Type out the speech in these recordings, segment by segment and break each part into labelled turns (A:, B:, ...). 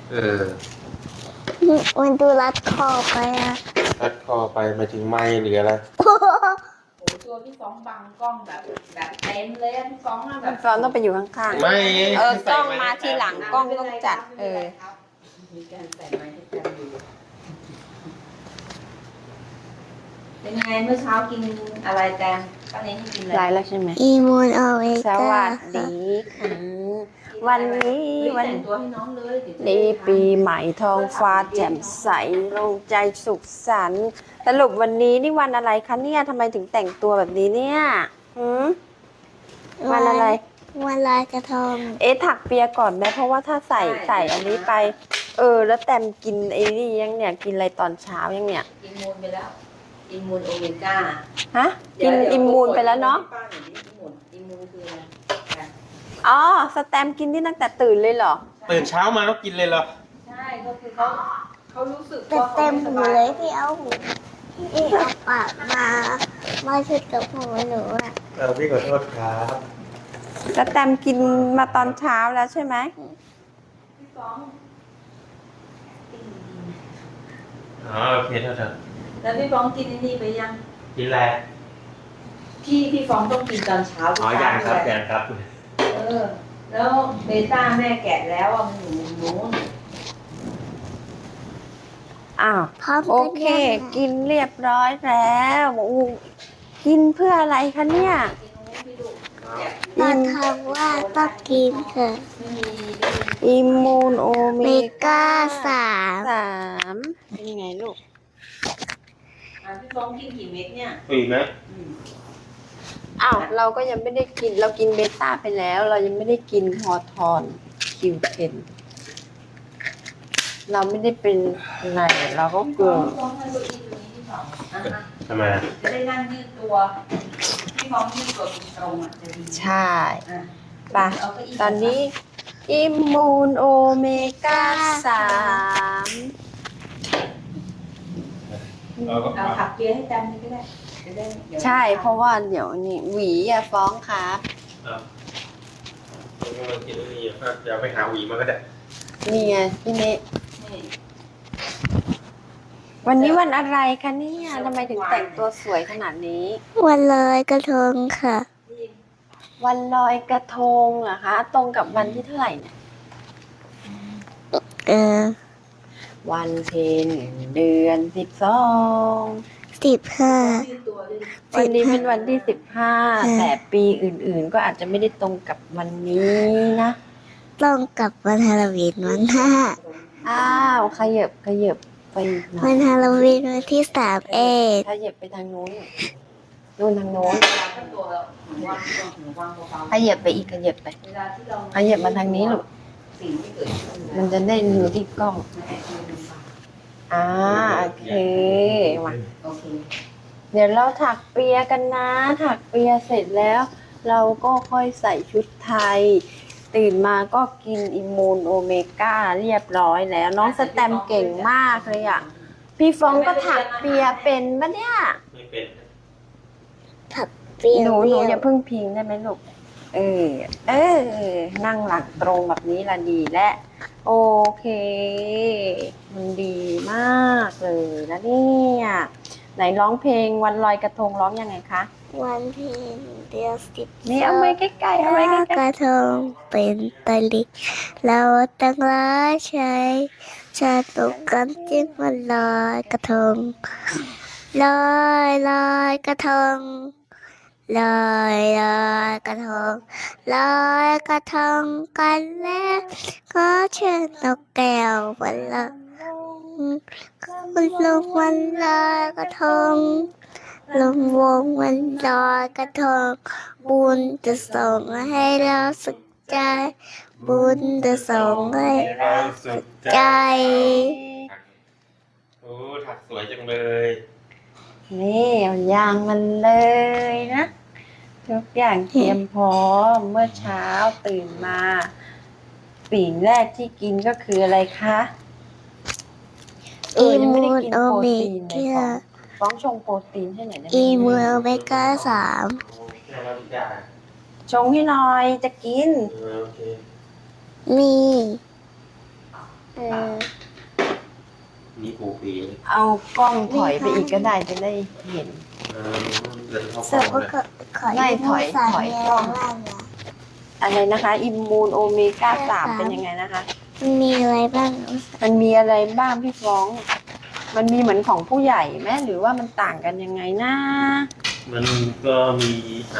A: เออ
B: มันดูรัดคอไปอ่ะ
A: รัดคอไปมาถึงไม้หรืออะไร
C: โอ้ตัวพี่ฟ้องบังกล้องแบบเต็มเลยอะพี่ฟ้องอะแบบ
D: ฟอนต้องไปอยู่ข้าง
A: ไม่
D: ๆกล้องมาทีหลังกล้องต้องจัด
C: มีการใส่ไม้ให้กันอยู่เป็นไงเมื่อเช้ากินอะไรแตงป้าเน้นให้กินอะไร
D: ไลน์แล้วใช่ไหม
B: อีมูนอเว
D: ส
B: ก้า
D: วัสดีค่ะวันนี้
C: เฮ้ย
D: วัน
C: แต่งตัวให้น้องเลยเดี๋ยวจะได้
D: นี้
C: ทาน
D: ปีใหม่ท้องฟ้าแจ่มใสโล่งใจสุขสันต์สรุปวันนี้นี่วันอะไรคะเนี่ยทำไมถึงแต่งตัวแบบนี้เนี่ยหืมวันอะไร
B: วันลอยกระทง
D: ถักเปียก่อนไหมเพราะว่าถ้าใส่อันนี้ไป แล้วแต้มกินไอ้นี่ยังเนี่ยกินอะไรตอนเช้ายังเนี่ย
C: อิมมูนไปแล้วอิมมูนโอเมก้า
D: ฮะกินอิมมูนไปแล้วเนาะ
C: ป้าหน่อยดิอิมมูนคืออะไร
D: อ๋อสแตมกินที่ตั้งแต่ตื่นเลยเหรอ
A: ตื่นเช้ามาแล้วกินเลยเหรอ
C: ใช่ก็คือเขารู้สึก
B: แต่
C: ว่า
B: เต็ม
C: ขา
B: หู
C: ไสบา
B: เลยที่เอาหูที่เอาปากมาชุดกับหูหนูอ่ะ
A: พี่ขอโทษครับ
D: สแตมกินมาตอนเช้าแล้วใช่ไหม
C: พี่ฟ้อง
A: อ๋อโอเคโทษเถอะ
C: แล้วพี่ฟ้องกินไอ้นี่ไปยัง
A: กินอะไร
C: พี่ฟ้องต้องกินตอนเช้าทุก
A: อ๋อ
C: เช้า
A: ยังครับ
C: เลย
A: ยังครับ
C: แล้วเบต้าแม่แกะแล้วอ่ะมันอยู่นู้น
D: อ้าว
B: พร้อม
D: โอ
B: กัน
D: เค
B: ยัง
D: กินเรียบร้อยแล้วกินเพื่ออะไรคะเนี่ย
C: กินนู้นพี่ลูก
B: ตอนทำว่าต้องกินค่ะ
C: ไม่มี
D: อิมมูนโอเม
B: เมก้าสาม
D: 3เป็นยังไงลูก
C: พี่ฟ้องกินกี่เม็ดเนี่ย
A: อีกไหม
D: อ้าว เราก็ยังไม่ได้กิน เรากินเบต้าไปแล้ว เรายังไม่ได้กินฮอทอนคิวเทนเราไม่ได้เป็นอะไรเราก็เกลือ
C: พี่ฟ้องให้เก้าอี้ตัวนี้พี่ฟ้องอ่ะ
A: ทำไมอะ
C: จะได้นั่งยืดตัวพี่ฟ้องยืดตัวตรงๆอ่ะจะดี
D: ใช่
C: อ่ะ
D: ปะ
C: เอาเก้าอี้
D: ตอนนี้อิมมูนโอเมก้า3
A: เราก็
C: เอาถักเปียให้จำนี่ก็ได้จะได้เดี๋ยว
D: ใช่ เพราะว่าเดี๋ยวนี่หวีอะฟ้องครับ
A: ครับเรากำลังกินอันนี้อยู่ครับเดี๋ยวไปหาหวีมาก็ได้
D: นี่ไงพี่เน
C: นี่
D: วันนี้วันอะไรคะเนี่ยทำไมถึงแต่งตัวสวยขนาดนี้
B: วันลอยกระทงค่ะ
C: นี่
D: วันลอยกระทงเหรอคะ ตรงกับวันที่เท่าไหร่เนี่ย
B: เออ
D: วันเพ็ญเดือน12
B: 15
C: ยืดตัวด้วย
D: วันนี้เป็นวันที่15แต่ปีอื่นๆ ก็อาจจะไม่ได้ตรงกับวันนี้นะ
B: ต้องกลับวันฮาโลวีนวันหน้า
D: อ้าวขยับไปหน่อ
B: วั
D: ย
B: นฮาโลวีนวันที่3
D: ขยับไปทางโน้นนู่นทางโน้น
C: เวลาตั้งตัวแล้วหนูวางตัวหนูวางเบา
D: ขยับไปอีกขยับไป
C: ๆเวลาที่เรา
D: ขยับมาทางนี้ลูก
C: สิ่งที่เกิดขึ้น
D: มันจะได้ดูที่กล้อง อ่าโอเคมา
C: โอเค
D: เดี๋ยวเราถักเปียกันนะ ถักเปียเสร็จแล้ว เราก็ค่อยใส่ชุดไทย ตื่นมาก็กินอิมมูนโอเมก้าเรียบร้อยแล้ว น้องสแตมเก่งมากเลยอ่ะ พี่ฟองก็ถักเปียเป็นปะเนี่ย
A: ไม่เป็น
B: ผักเปรี้ยว
D: หนู
B: เปรี้ยว
D: อย่าเพิ่งพิงได้ไหมลูก นั่งหลังตรงแบบนี้ละดีและโอเค มันดีมากเลยนะเนี่ยไหนร้องเพลงวันลอยกระทงร้องยังไงคะ
B: วันเพ็ญเดือน10
D: นี่เอาไว้ใกล้ๆเอาไว้ใกล้
B: กระทงเป็นตะลิงเราตั้งร้ายใช้ชาตกกันจิ้งวันลอยกระทงลอยลอยกระทงลอยลอยกระทงลอยกระทงกันแล้วก็เชิญนกแก้ววันละคุณลุงวันลอยกระทงลงวงวันลอยกระทงบุญจะส่งให้เราสุขใจ บุญจะส่งให้เราสุขใจ
A: โอ้ถักสวยจังเลย
D: ๆนี่เอายางมันเลยนะทุกอย่างเตรียมพร้อมเมื่อเช้าตื่นมาสิ่งแรกที่กินก็คืออะไรคะยังไม่ได้กินโปรตีนเลยฟ้องชงโปรตีนให้หน่อยได้ไหม
B: อีมูโอเมก้า3
A: โอ้แค่เราทุกอย่าง
D: ชงให้หน่อยจะกิน
A: โอเค
B: มีอ
A: นี่ปูปี
D: เอากล้องถอยไปอีกก็ได้จะได้เห็น
A: เดินเข้า
B: สุ
A: ฟั
B: ก
A: ง
B: ก็
A: เลย
B: ขอ
D: ไม่ถอย
B: สาม
D: ถอย
B: มี
D: กล้
B: อะไร
D: อง
B: บ้างอะ
D: อะไรนะคะ อิมมูนโอเมก้า3เป็นยังไงนะคะ
B: มันมีอะไรบ้าง
D: มันมีอะไรบ้างพี่ฟ้อง มันมีเหมือนของผู้ใหญ่ไหมหรือว่ามันต่างกันยังไงนะ
A: มันก็มี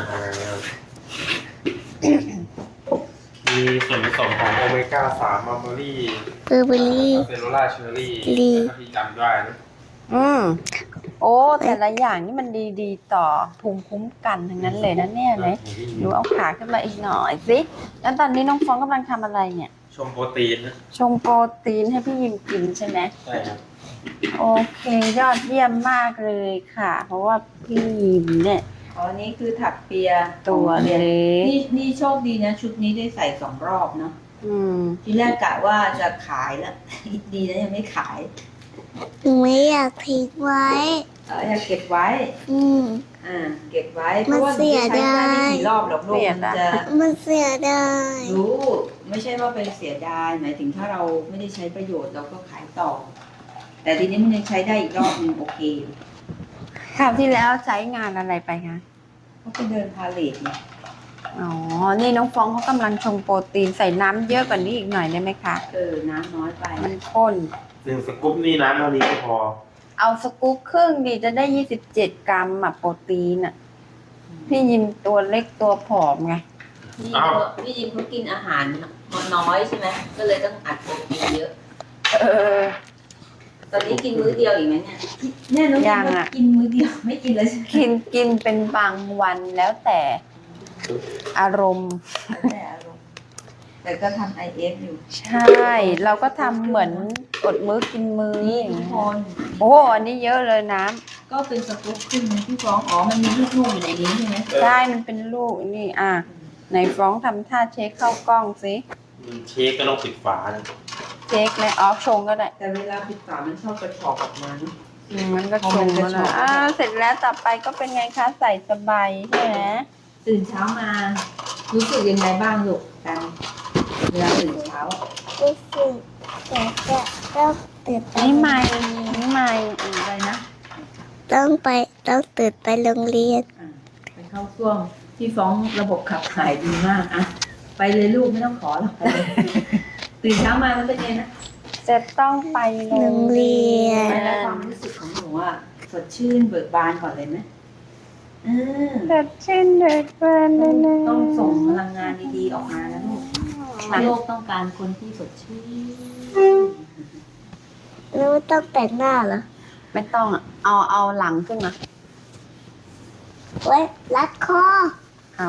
A: มีส่วนผสมของโอเมก้า3มัลเบอรี่
B: เบอร์เบอรี่
A: เซลลูล่าเชอร์รี่
B: ลี
A: ถ้าพี่จำได้นะ
D: โอ้แต่ละอย่างนี่มันดีต่อภูมิคุ้มกันทั้งนั้นเลยนะเนี่ยนะหนูเอาขาขึ้นมาอีกหน่อยสิแล้วตอนนี้น้องฟ้องกำลังทำอะไรเนี่ย
A: ชมโปรตีนนะ
D: ชงโปรตีนให้พี่ยิมกินใช่ไหม
A: ใช่ครับ
D: โอเคยอดเยี่ยมมากเลยค่ะ เพราะว่าพี่ยิมเนี่ย
C: อ๋อนี่คือถักเปีย
D: ตัวเล็ก
C: นี่โชคดีนะ ชุดนี้ได้ใส่2 รอบเนาะ
D: อืม
C: ทีแรกกะว่าจะขายแล้ว ดีนะยังไม่ขาย
B: หนูไม่อยากทิ้งไว้
C: อยากเก็บไว้
B: อืม
C: เก็บไว้เพ
B: มัน
C: ราะว่า
B: เสีย
C: ใช้ได้ไม่
B: ดาย
C: กี่รอบหรอกลูกมันจะ
B: มันเสียดาย
C: รู้ไม่ใช่ว่าเป็นเสียดายหมายถึงถ้าเราไม่ได้ใช้ประโยชน์เราก็ขายต่อ แต่ทีนี้มันยังใช้ได้อีกรอบนึงโอเคอยู่
D: คราวที่แล้วใช้งานอะไรไปคะ
C: เขาไปเดินพาเลทเนี่ย
D: อ๋อ นี่น้องฟ้องเขากำลังชงโปรตีนใส่น้ำเยอะกว่านี้อีกหน่อยได้ไหมคะ
C: น้ำน้อยไป
D: มันข้น
A: 1 สกู๊ปนี่น้ำเท่านี้ก็พอ
D: เอาสกู๊ปครึ่งดีจะได้27 กรัมอะโปรตีนอะพี่ยิมตัวเล็กตัวผอมไง
C: พี่ยิมเขากินอาหารน้อยใช่ไหมก็เลยต้องอัดโปรตีนเยอะ
D: เออ
C: ตอนนี้กินมื้อเดียวอีกไหมเนี่ยแน่น้อง
D: ยังอะ
C: กินมื้อเดียวไม่กินเลยใช่ไหม
D: กินเป็นบางวันแล้วแต่อารมณ์
C: แต่อารมณ์แต่ก็ทำ IF อยู่
D: ใช่ เราก็ทำเหมือนอดมื้อกินมื้อ
C: นี่
D: อย่าง
C: ทุก
D: เงี้ย
C: คน
D: โอ้อันนี้เยอะเลยน้
C: ก็เป็นสกู๊ปครึ่งนะพี่ฟ้องอ๋อมันมีลูกๆอยู่ในนี้ใช่ไหม
D: ำได้มันเป็นลูกนี่อ่ะไหนฟ้องทำท่าเช็คเข้ากล้องสิ
A: เช็คก็ต้องปิดฝานะ
D: เช็คเลยออฟชงก็ได้
C: แต่เวลาปิดฝามันชอบกระชอกออกมาเนอะ
D: มันก็ชงมาแล้วเสร็จแล้วต่อไปก็เป็นไงคะใส่สบายใช่ไหม
C: ตื่นเช้ามา รู้สึกยังไงบ้างลูกกันเวลาตื่นเช้า
B: รู้สึกแต่จะต้องตื่นไป
D: นี่ไม่อะไรนะ
B: ต้องตื่นไปโรงเรียน
C: ไปเข้าช่วงที่ฟ้องระบบขับถ่ายดีมากอะไปเลยลูกไม่ต้องขอหรอกไปเลยตื่นเช้ามามันเป็นไงนะ
D: จะต้องไปโรงเรียน
C: แล้วความรู้สึกของหนูอะสดชื่นเบิกบานก่อนเลยไหมอืม
D: สดชื่นเดือดเบินเลยนะ
C: ต้องส่งพลังงานดีๆออกมานะลูกโลกต้องการคนที่สดชื่น
B: แล้วไม่ต้องแต่งหน้าเหรอ
D: ไม่ต้องอะเอาหลังขึ้นมา
B: ไว้รัดคอ
D: เอา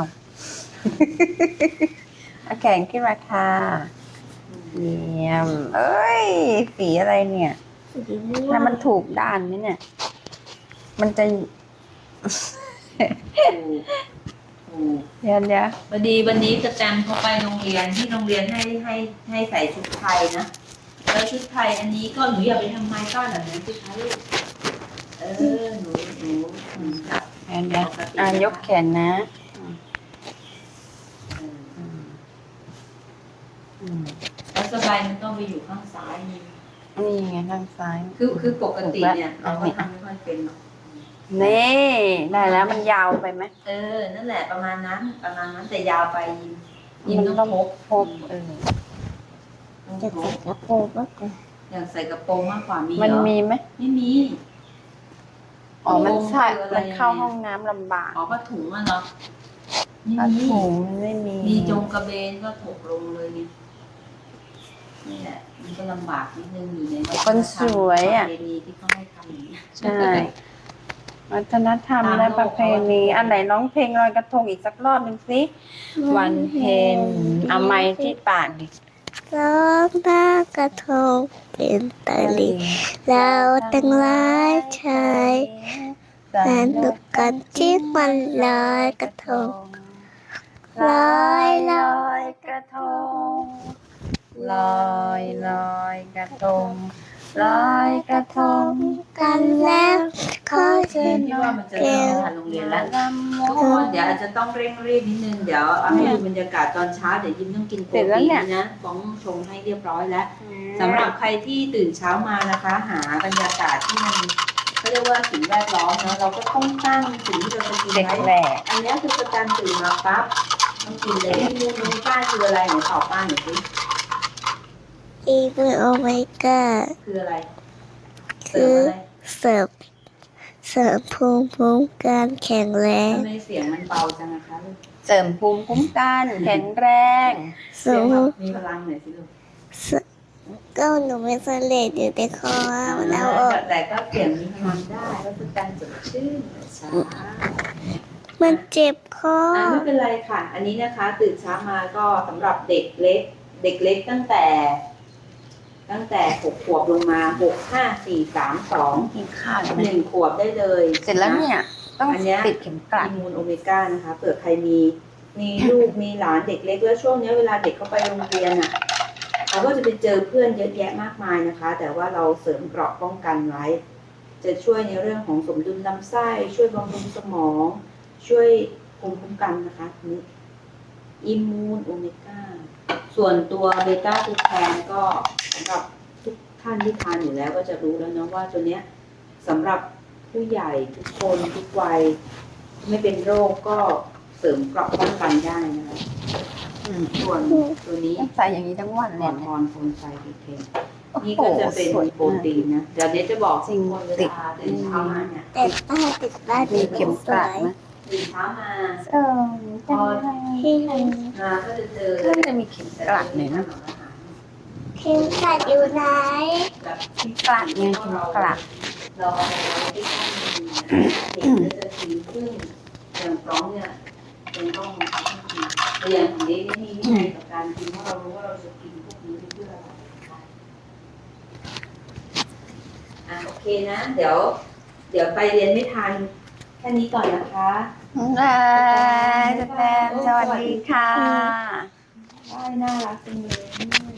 D: เอาแขนขึ้นมาค่ะเยี่ยมเอ้ยสีอะไรเนี่ย
B: สีม่ว
D: แล้ว
B: ง
D: มันถูกด้านไหมเนี่ย มันจะ เดี๋ยว
C: วันนี้จะแตมเขาไปโรงเรียนที่โรงเรียนให้ใส่ชุดไทยนะแล้วชุดไทยอันนี้ก็หนูอย่าไปทำไมก้อนแบบนั้นสิคะลูกหนูจับ
D: เดี๋ยว ยกแขนนะอืม
C: แล้วสบายมันต้องไปอยู่ข้างซ้ายนี่
D: นี่ไงทางซ้าย
C: คือปกติเนี่ยเราก็ทำไม่ค่อยเป็นหรอก
D: นี่ได้แล้วมันยาวไปไหม
C: นั่นแหละประมาณนั้นแต่ยาวไปยิมต้องพก
D: พบ
B: จะใส่กระโปรงมากกว่า
C: อยากใส่กระโปรงมากกว่ามีเหรอ
D: มันมีไหม
C: ไม่มี
D: อ๋อมันใช่
C: คืออะไร
D: มันเข้าห้องน้ำลำบาก
C: อ๋อผ้าถุงอะเนาะ
D: ผ้า
C: ไม่มี
D: ถุงมันไม่มี
C: มีจงกระเบนก็ถกลงเลยไงนี่แหละมันก็ลำบากนิดนึงอยู่ในวัฒนธรรม
D: คนสวยอะ
C: ประเพณีที่เขาให้ทำอย่างนี้ย
D: ใช่วัฒนธรรมและประเพณีอันไหนร้องเพลงลอยกระทงอีกสักรอบหนึ่งสิวันเพ็ญเอาไม้ที่ปากดิ
B: ร้องหน้ากระทงเป็นตะลิงเราตั้งหลายชายสนุกกันที่มันลอยกระทง ลอยลอย
D: กระทงลอยกระทงลอยกระทง
B: กันแล้วขอเชิญ
C: ที่ว่ามันจะเริ่มทานโรงเรียนแล้วทุกคนเดี๋ยวอาจจะต้องเร่งรีบนิดนึงเดี๋ยวเอาให้ดูบรรยากาศตอนเช้าเดี๋ยวยิ้มต้องกินโปรตีนนะฟ้องชงให้เรียบร้อยแล้วสำหรับใครที่ตื่นเช้ามานะคะ หาบรรยากาศที่มันเขาเรียกว่าสิ่งแวดล้อมเนาะเราก็ต้องตั้งสิ่งที่เราจะกิน
D: เด็ก
C: ไว้
D: แหลก
C: อันนี้คือประจันตื่นมาปั๊บต้องกินเลยมูนป้าคืออะไรไหนตอบป้าหน่อยสิ
B: อีมูนโอเมก้า
C: คืออะไร
B: คือ เสริมภูมิคุ้มกันแข็งแรง
C: ทำไมเสียงมันเบาจังนะคะลูก
D: เสริมภูมิคุ้มกันแข็งแรง
B: เสริม
C: มีพลังหน่อยสิลูก
B: ก็หนูไม่สำเร็จอยู่ในคอแล้วออก
C: แต่ก็เสียงมีพลังได้ก็คือการสดชื่นช้า
B: มันเจ็บคอ
C: ไม่เป็นไรค่ะ อันนี้นะคะตื่นเช้ามาก็สำหรับเด็กเล็กตั้งแต่6 ขวบลงมา6 5 4 3 2
D: กินข้าวไหม
C: 1 ขวบได้เลย
D: เสร็จแล้วเนี่ย ต้อง
C: อันเนี้ย
D: ติดเข็มกลัด
C: อิมูนโอเมก้านะคะเผื่อใครมีลูกมีหลานเด็กเล็กแล้วช่วงนี้เวลาเด็กเขาไปโรงเรียนอ่ะเขาก็จะไปเจอเพื่อนเยอะแยะมากมายนะคะ แต่ว่าเราเสริมเกราะป้องกันไว้ จะช่วยในเรื่องของสมดุลลำไส้ช่วยบำรุงสมอง ช่วยภูมิคุ้มกันนะคะนี้อิมูนโอเมก้าส่วนตัวเบต้าคูแคนก็สำหรับทุกท่านที่ทานอยู่แล้วก็จะรู้แล้วเนาะว่าตัวเนี้ยสำหรับผู้ใหญ่ทุกคนทุกวัยไม่เป็นโรคก็เสริมเกราะป้องกันได้นะคะส่วนตัวนี้
D: ต้องใส่อย่างนี้ทั้งวัน
C: ม
D: เล
C: อย น
D: เนี่ย
C: ทอนโฟนไซด์เทนนี่ก็จะเป็นโปรตีนนะเดี๋ยวเนี้จะบอก
D: จริง
C: คนเวลาตื่นเช้ามาเนี่ย
B: แต่ป้าติดบ้าน
D: มีเข็มกลัดไหม
C: ตื่นเช้ามา
B: พอที่
C: มาก็จะเจอ
D: ก็จะมีเข็มกลัดเนี่ยนะ
B: เข็มขัดอยู่ไหน
C: แบบ
D: เข็มกลัดไงเข็มกลัด
C: เราเอาไปไว้ที่ข้างมือเด็กก็จะทีขึ้นอย่างฟ้องเนี่ยยังต้องทำให้ดีแต่อย่างของเด็กนี่มีวินัยกับการกินเพราะเรารู้ว่าเราจะกินพวกนี้เพื่ออะไรนะคะโอเคนะ เดี๋ยวไปเรียนไม่ทันแค่นี้ก่อนนะคะ
D: จะแตมสวัสดีค่ะ
C: ได้น่ารักจังเลย